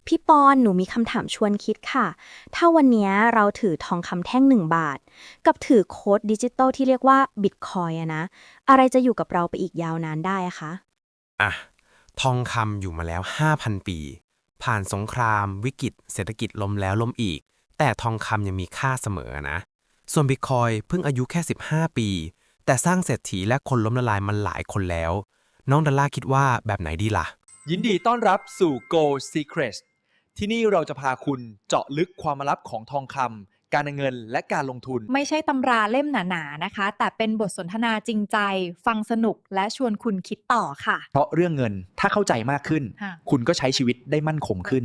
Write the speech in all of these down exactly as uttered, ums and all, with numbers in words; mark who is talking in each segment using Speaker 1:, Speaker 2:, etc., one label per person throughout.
Speaker 1: พี่ปอนหนูมีคำถามชวนคิดค่ะ ถ้าวันเนี้ยเราถือทองคำแท่งหนึ่งบาทกับถือโค้ดดิจิตอลที่เรียกว่าบิตคอยอะนะอะไรจะอยู่กับเราไปอีกยาวนานได้อะคะ
Speaker 2: อ่ะทองคำอยู่มาแล้ว ห้าพัน ปี ผ่านสงครามวิกฤตเศรษฐกิจล้มแล้วล้มอีก แต่ทองคำยังมีค่าเสมอนะ ส่วนบิตคอยเพิ่งอายุแค่ สิบห้า ปี แต่สร้างเศรษฐีและคนล้มละลายมันหลายคนแล้ว น้องดอลลาร์คิดว่าแบบไหนดีล่ะ
Speaker 3: ยินดีต้อนรับสู่ Gold Secrets ที่นี่เราจะพาคุณเจาะลึกความลับของทองคำการเงินและการลงทุน
Speaker 4: ไม่ใช่ตำราเล่มหนาๆนะคะ แต่เป็นบทสนทนาจริงใจ ฟังสนุกและชวนคุณคิดต่อค่ะ
Speaker 3: เพราะเรื่องเงินถ้าเข้าใจมากขึ้น
Speaker 4: ค่ะ
Speaker 3: คุณก็ใช้ชีวิตได้มั่นคงขึ้น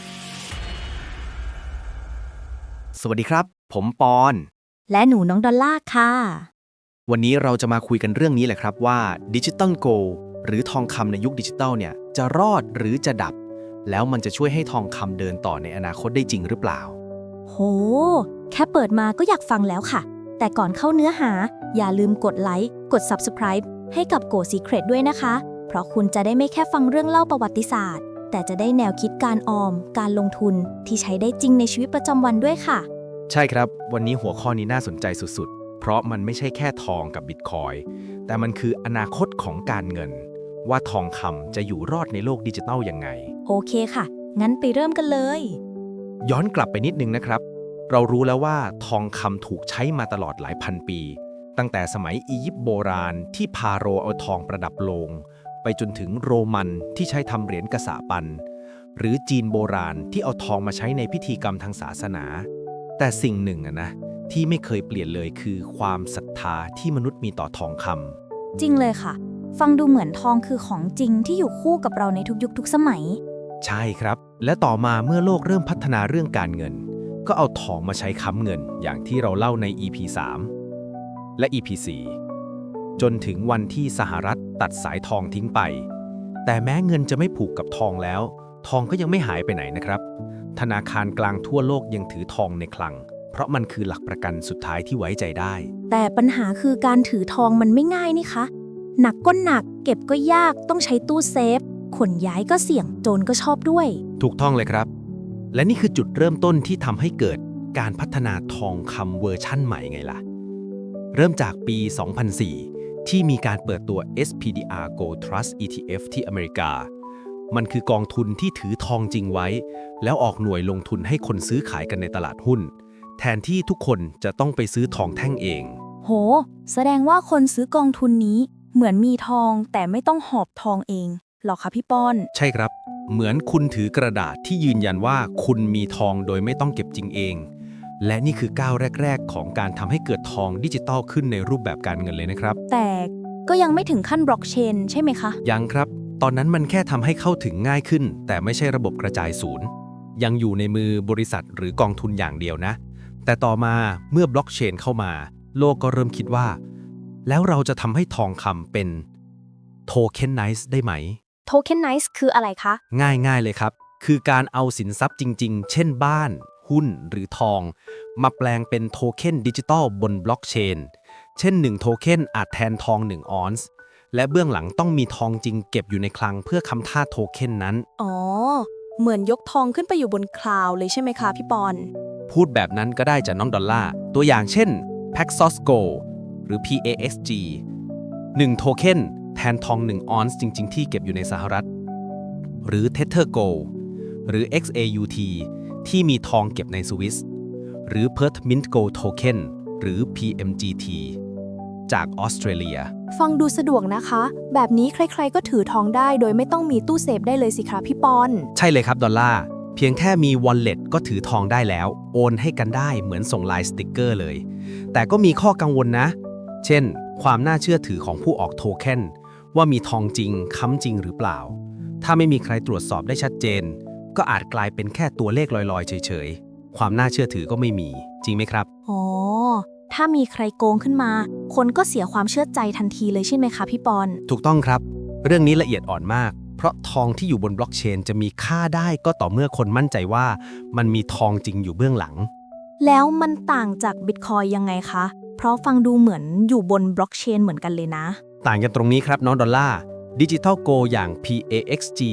Speaker 5: สวัสดีครับ ผมปอน
Speaker 1: และหนูน้องดอลลาร์ค่ะ
Speaker 5: วันนี้เราจะมาคุยกันเรื่องนี้แหละครับว่าดิจิตอลโกลด์หรือทองคำในยุคดิจิตอลเนี่ยจะรอดหรือจะดับ แล้วมันจะช่วยให้ทองคำเดินต่อในอนาคตได้จริงหรือเปล่า
Speaker 1: โห แค่เปิดมาก็อยากฟังแล้วค่ะ แต่ก่อนเข้าเนื้อหา อย่าลืมกดไลค์ กด Subscribe ให้กับ Go Secret ด้วยนะคะ เพราะคุณจะได้ไม่แค่ฟังเรื่องเล่าประวัติศาสตร์ แต่จะได้แนวคิดการออม การลงทุนที่ใช้ได้จริงในชีวิตประจำวันด้วยค่ะ
Speaker 5: ใช่ครับ วันนี้หัวข้อนี้น่าสนใจสุดๆ เพราะมันไม่ใช่แค่ทองกับบิตคอยน์แต่มันคืออนาคตของการเงิน ว่าทองคำจะอยู่รอดในโลกดิจิทัลยังไง
Speaker 1: โอเคค่ะ งั้นไปเริ่มกันเลย
Speaker 5: ย้อนกลับไปนิดนึงนะครับ เรารู้แล้วว่าทองคำถูกใช้มาตลอดหลายพันปี ตั้งแต่สมัยอียิปต์โบราณที่พาโรห์เอาทองประดับโลง ไปจนถึงโรมันที่ใช้ทำเหรียญกษาปัน หรือจีนโบราณที่เอาทองมาใช้ในพิธีกรรมทางศาสนา แต่สิ่งหนึ่งอะนะที่ไม่เคยเปลี่ยนเลยคือความศรัทธาที่มนุษย์มีต่อทองคำ
Speaker 1: จริงเลยค่ะ ฟังดูเหมือนทองคือของจริงที่อยู่คู่กับเราในทุกยุคทุกสมัย
Speaker 5: ใช่ครับ และต่อมาเมื่อโลกเริ่มพัฒนาเรื่องการเงิน ก็เอาทองมาใช้ค้ำเงินอย่างที่เราเล่าใน อี พี สาม และ อี พี สี่ จนถึงวันที่สหรัฐตัดสายทองทิ้งไป แต่แม้เงินจะไม่ผูกกับทองแล้ว ทองก็ยังไม่หายไปไหนนะครับ ธนาคารกลางทั่วโลกยังถือทองในคลัง เพราะมันคือหลักประกันสุดท้ายที่ไว้ใจได้
Speaker 1: แต่ปัญหาคือการถือทองมันไม่ง่ายนี่คะ หนักก็หนัก เก็บก็ยาก ต้องใช้ตู้เซฟ ขนย้ายก็เสี่ยง โจรก็ชอบด้วย
Speaker 5: ถูกต้องเลยครับ และนี่คือจุดเริ่มต้นที่ทำให้เกิดการพัฒนาทองคำเวอร์ชั่นใหม่ไงล่ะ เริ่มจากปี สองพันสี่ ที่มีการเปิดตัว เอส พี ดี อาร์ Gold Trust อี ที เอฟ ที่อเมริกา มันคือกองทุนที่ถือทองจริงไว้ แล้วออกหน่วยลงทุนให้คนซื้อขายกันในตลาดหุ้น แทนที่ทุกคนจะต้องไปซื้อทองแท่งเอง
Speaker 1: โห แสดงว่าคนซื้อกองทุนนี้เหมือนมีทองแต่ไม่ต้องหอบทองเองหรอคะพี่ป้อน
Speaker 5: ใช่ครับ เหมือนคุณถือกระดาษที่ยืนยันว่าคุณมีทองโดยไม่ต้องเก็บจริงเอง และนี่คือก้าวแรกๆของการทำให้เกิดทองดิจิตอลขึ้นในรูปแบบการเงินเลยนะครับ
Speaker 1: แต่ก็ยังไม่ถึงขั้นบล็อกเชนใช่ไหมคะ
Speaker 5: ยังครับ ตอนนั้นมันแค่ทำให้เข้าถึงง่ายขึ้น แต่ไม่ใช่ระบบกระจายศูนย์ ยังอยู่ในมือบริษัทหรือกองทุนอย่างเดียวนะ แต่ต่อมาเมื่อบล็อกเชนเข้ามา โลกก็เริ่มคิดว่า แล้วเราจะทำให้ทองคำเป็นโทเค็นไนซ์ได้ไหม
Speaker 1: โทเค็นไนซ์คืออะไรคะ
Speaker 5: ง่ายๆเลยครับ คือการเอาสินทรัพย์จริงๆ เช่นบ้าน หุ้น หรือทอง มาแปลงเป็นโทเค็นดิจิตอลบนบล็อกเชน เช่นหนึ่งโทเค็นอาจแทนทองหนึ่งออนซ์ และเบื้องหลังต้องมีทองจริงเก็บอยู่ในคลังเพื่อค้ำท่าโทเค็นนั้น
Speaker 1: อ๋อ เหมือนยกทองขึ้นไปอยู่บนคลาวด์เลยใช่ไหมคะพี่ปอน
Speaker 5: พูดแบบนั้นก็ได้จากน้องดอลลาร์ ตัวอย่างเช่น Paxos Gold หรือ พี เอ เอ็กซ์ จี หนึ่งโทเค็นแทนทองหนึ่งออนซ์จริงๆ ที่เก็บอยู่ในสหรัฐ หรือ Tether Gold หรือ เอ็กซ์ เอ ยู ที ที่มีทองเก็บในสวิสหรือ Perth Mint Gold Token หรือ พี เอ็ม จี ที จากออสเตรเลีย
Speaker 1: ฟังดูสะดวกนะคะ แบบนี้ใครๆก็ถือทองได้โดยไม่ต้องมีตู้เซฟได้เลยสิคะพี่ปอน
Speaker 5: ใช่เลยครับดอลลาร์ เพียงแค่มี Wallet ก็ถือทองได้แล้ว โอนให้กันได้เหมือนส่งลายสติกเกอร์เลย แต่ก็มีข้อกังวลนะ เช่น ความน่าเชื่อถือของผู้ออกโทเค็นว่ามีทองจริงค้ำจริงหรือเปล่า ถ้าไม่มีใครตรวจสอบได้ชัดเจน ก็อาจกลายเป็นแค่ตัวเลขลอยๆ เฉยๆ ความน่าเชื่อถือก็ไม่มี จริงไหมครับ
Speaker 1: อ๋อ ถ้ามีใครโกงขึ้นมา คนก็เสียความเชื่อใจทันทีเลยใช่ไหมคะพี่ปอน
Speaker 5: ถูกต้องครับ เรื่องนี้ละเอียดอ่อนมาก เพราะทองที่อยู่บนบล็อกเชนจะมีค่าได้ก็ต่อเมื่อคนมั่นใจว่ามันมีทองจริงอยู่เบื้องหลัง
Speaker 1: แล้วมันต่างจากบิตคอยยังไงคะ เพราะฟังดูเหมือนอยู่บนบล็อกเชนเหมือนกันเลยนะ
Speaker 5: ต่างกันตรงนี้ครับน้องดอลลาร์ดิจิทัลโกอย่าง พี เอ เอ็กซ์ จี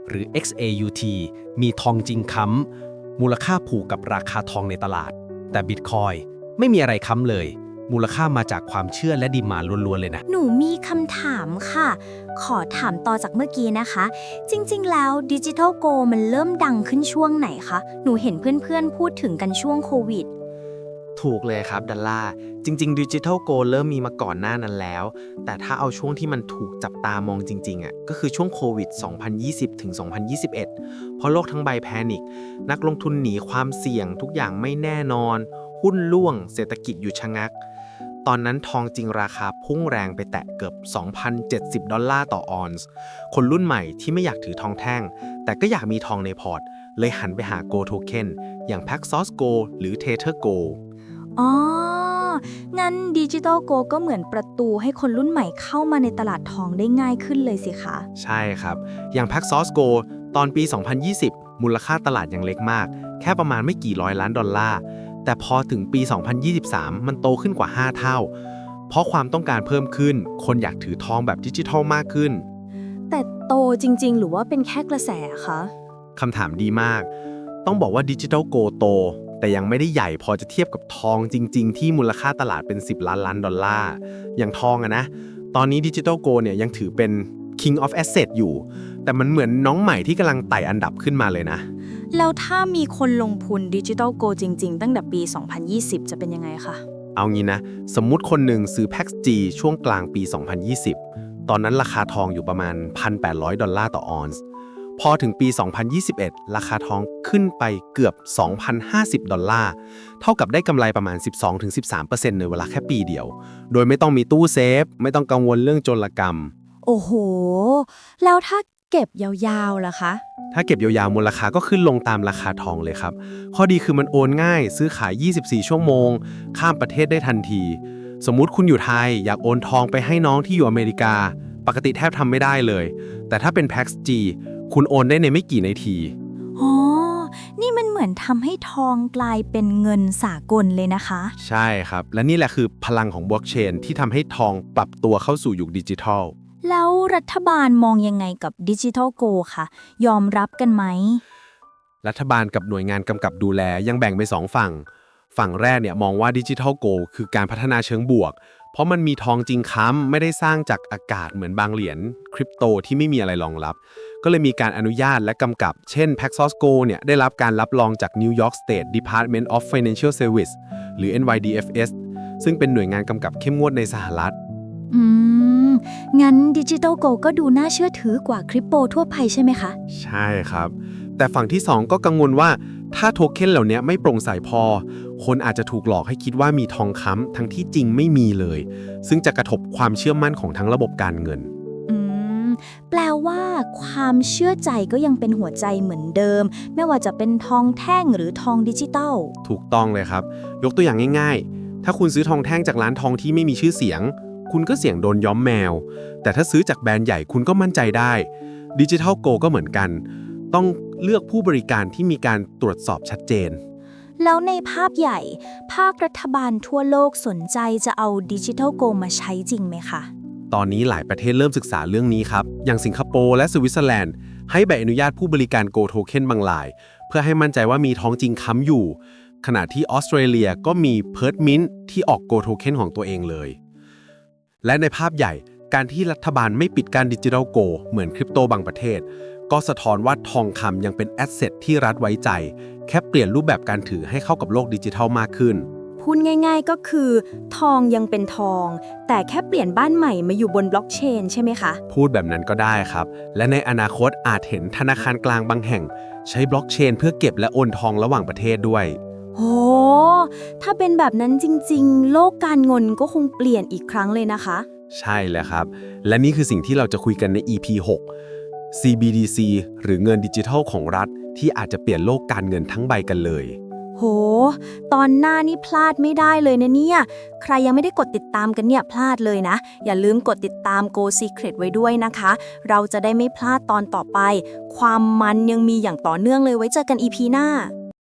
Speaker 5: หรือ เอ็กซ์ เอ ยู ที มีทองจริงค้ำมูลค่าผูกกับราคาทองในตลาด แต่ Bitcoin ไม่มีอะไรค้ำเลย มูลค่ามาจากความเชื่อและดีมานด์ล้วนๆเลยนะ
Speaker 1: หนูมีคำถามค่ะ ขอถามต่อจากเมื่อกี้นะคะ จริงๆ แล้วดิจิทัลโกมันเริ่มดังขึ้นช่วงไหนคะ หนูเห็นเพื่อนๆ พูดถึงกันช่วงโควิด
Speaker 6: ถูกเลยครับดัลล่าจริงๆดิจิทัลโกเริ่มมีมาก่อนหน้านั้นแล้ว แต่ถ้าเอาช่วงที่มันถูกจับตามองจริงๆอ่ะก็คือช่วงโควิด สองพันยี่สิบ ถึง สองพันยี่สิบเอ็ด เพราะโลกทั้งใบแพนิคนักลงทุนหนีความเสี่ยงทุกอย่างไม่แน่นอน หุ้นร่วงเศรษฐกิจหยุดชะงัก ตอนนั้นทองจริงราคาพุ่งแรงไปแตะเกือบ สองพันเจ็ดสิบ ดอลลาร์ต่อออนซ์คนรุ่นใหม่ที่ไม่อยากถือทองแท่ง แต่ก็อยากมีทองในพอร์ตเลยหันไปหา Gold Token อย่าง Paxos Gold หรือ Tether Gold
Speaker 1: อ๋อ งั้นดิจิทัลโกก็เหมือนประตูให้คนรุ่นใหม่เข้ามาในตลาดทองได้ง่ายขึ้นเลยสิคะ
Speaker 6: ใช่ครับ อย่าง Paxos Gold ตอนปี สองพันยี่สิบ มูลค่าตลาดยังเล็กมาก แค่ประมาณไม่กี่ร้อยล้านดอลลาร์ แต่พอถึงปี สองพันยี่สิบสาม มันโตขึ้นกว่า ห้า เท่า เพราะความต้องการเพิ่มขึ้น คนอยากถือทองแบบดิจิทัลมากขึ้น
Speaker 1: แต่โตจริงๆ หรือว่าเป็นแค่กระแสคะ
Speaker 6: คำถามดีมาก ต้องบอกว่าดิจิทัลโกโต แต่ยังไม่ได้ใหญ่พอจะเทียบกับทองจริงๆ ที่มูลค่าตลาดเป็น สิบ ล้านล้านดอลลาร์ อย่างทองอะนะ ตอนนี้ดิจิทัลโกเนี่ยยังถือเป็น King of Asset อยู่ แต่มันเหมือนน้องใหม่ที่กำลังไต่อันดับขึ้นมาเลยนะ
Speaker 1: แล้วถ้ามีคนลงทุนดิจิทัลโกจริงๆ ตั้งแต่ปี สองพันยี่สิบ จะเป็นยังไงคะ
Speaker 6: เอางี้นะ สมมุติคนหนึ่งซื้อ Pax G ช่วงกลางปี สองพันยี่สิบ ตอนนั้นราคาทองอยู่ประมาณ หนึ่งพันแปดร้อย ดอลลาร์ต่อออนซ์ พอถึงปี สองพันยี่สิบเอ็ด ราคาทองขึ้นไปเกือบ สองพันห้าสิบ ดอลลาร์ เท่ากับได้กำไรประมาณ สิบสองถึงสิบสามเปอร์เซ็นต์ ในเวลาแค่ปีเดียว โดยไม่ต้องมีตู้เซฟ ไม่ต้องกังวลเรื่องโจรกรรม
Speaker 1: โอ้โห แล้วถ้าเก็บยาวๆล่ะคะ
Speaker 6: ถ้าเก็บยาวๆมูลค่าก็ขึ้นลงตามราคาทองเลยครับ ข้อดีคือมันโอนง่าย ซื้อขาย ยี่สิบสี่ ชั่วโมง ข้ามประเทศได้ทันที สมมุติคุณอยู่ไทยอยากโอนทองไปให้น้องที่อยู่อเมริกา ปกติแทบทำไม่ได้เลย แต่ถ้าเป็น Pax G คุณโอนได้ในไม่กี่นาที
Speaker 1: อ๋อ นี่มันเหมือนทำให้ทองกลายเป็นเงินสากลเลยนะคะ
Speaker 6: ใช่ครับ และนี่แหละคือพลังของบล็อกเชนที่ทำให้ทองปรับตัวเข้าสู่ยุคดิจิทัล
Speaker 1: แล้วรัฐบาลมองยังไงกับดิจิทัลโกคะยอมรับกันไหม
Speaker 6: รัฐบาลกับหน่วยงานกำกับดูแลยังแบ่งเป็นสองฝั่ง ฝั่งแรกเนี่ยมองว่าดิจิทัลโกคือการพัฒนาเชิงบวก เพราะมันมีทองจริงค้ำไม่ได้สร้างจากอากาศเหมือนบางเหรียญคริปโตที่ไม่มีอะไรรองรับ ก็เลยมีการอนุญาตและกำกับ เช่น Paxos Gold เนี่ยได้รับการรับรองจาก New York State Department of Financial Services หรือ เอ็น วาย ดี เอฟ เอส ซึ่งเป็นหน่วยงานกำกับเข้มงวดในสหรัฐ
Speaker 1: อืม งั้นดิจิทัลโกก็ดูน่าเชื่อถือกว่าคริปโปทั่วไปใช่ไหมคะ
Speaker 6: ใช่ครับ แต่ฝั่งที่สองก็กังวลว่าถ้าโทเค็นเหล่านี้ไม่โปร่งใสพอ คนอาจจะถูกหลอกให้คิดว่ามีทองค้ำทั้งที่จริงไม่มีเลย ซึ่งจะกระทบความเชื่อมั่นของทั้งระบบการเงิน
Speaker 1: อืม แปลว่าความเชื่อใจก็ยังเป็นหัวใจเหมือนเดิม ไม่ว่าจะเป็นทองแท่งหรือทองดิจิตัล
Speaker 6: ถูกต้องเลยครับ ยกตัวอย่างง่ายๆ ถ้าคุณซื้อทองแท่งจากร้านทองที่ไม่มีชื่อเสียง คุณก็เสี่ยงโดนย้อมแมว แต่ถ้าซื้อจากแบรนด์ใหญ่คุณก็มั่นใจได้ดิจิทัลโกก็เหมือนกัน ต้องเลือกผู้บริการที่มีการตรวจสอบชัดเจน
Speaker 1: แล้วในภาพใหญ่ ภาครัฐบาลทั่วโลกสนใจจะเอาดิจิทัลโกมาใช้จริงไหมคะ
Speaker 6: ตอนนี้หลายประเทศเริ่มศึกษาเรื่องนี้ครับ อย่างสิงคโปร์และสวิตเซอร์แลนด์ให้ใบอนุญาตผู้บริการโกโทเค็นบางราย เพื่อให้มั่นใจว่ามีทองจริงค้ำอยู่ ขณะที่ออสเตรเลียก็มีเพิร์ทมินท์ที่ออกโกโทเค็นของตัวเองเลย และในภาพใหญ่การที่รัฐบาลไม่ปิดการดิจิทัลโกเหมือนคริปโตบางประเทศ ก็สะท้อนว่าทองคำยังเป็นแอสเซทที่รัฐไว้ใจ แค่เปลี่ยนรูปแบบการถือให้เข้ากับโลกดิจิทัลมากขึ้น
Speaker 1: พูดง่ายๆก็คือ ทองยังเป็นทอง แต่แค่เปลี่ยนบ้านใหม่มาอยู่บนบล็อกเชนใช่ไหมคะ
Speaker 6: พูดแบบนั้นก็ได้ครับ และในอนาคตอาจเห็นธนาคารกลางบางแห่ง ใช้บล็อกเชนเพื่อเก็บและโอนทองระหว่างประเทศด้วย
Speaker 1: โห ถ้าเป็นแบบนั้นจริงๆ โลกการเงินก็คงเปลี่ยนอีกครั้งเลยนะคะ
Speaker 6: ใช่แล้วครับ และนี่คือสิ่งที่เราจะคุยกันใน อี พี หก ซี บี ดี ซี หรือเงินดิจิทัลของรัฐที่อาจจะเปลี่ยนโลกการเงินทั้งใบกันเลย
Speaker 1: โห ตอนหน้านี่พลาดไม่ได้เลยนะเนี่ย ใครยังไม่ได้กดติดตามกันเนี่ยพลาดเลยนะ อย่าลืมกดติดตาม Go Secret ไว้ด้วยนะคะ เราจะได้ไม่พลาดตอนต่อไป ความมันยังมีอย่างต่อเนื่องเลยไว้เจอกัน อี พี หน้า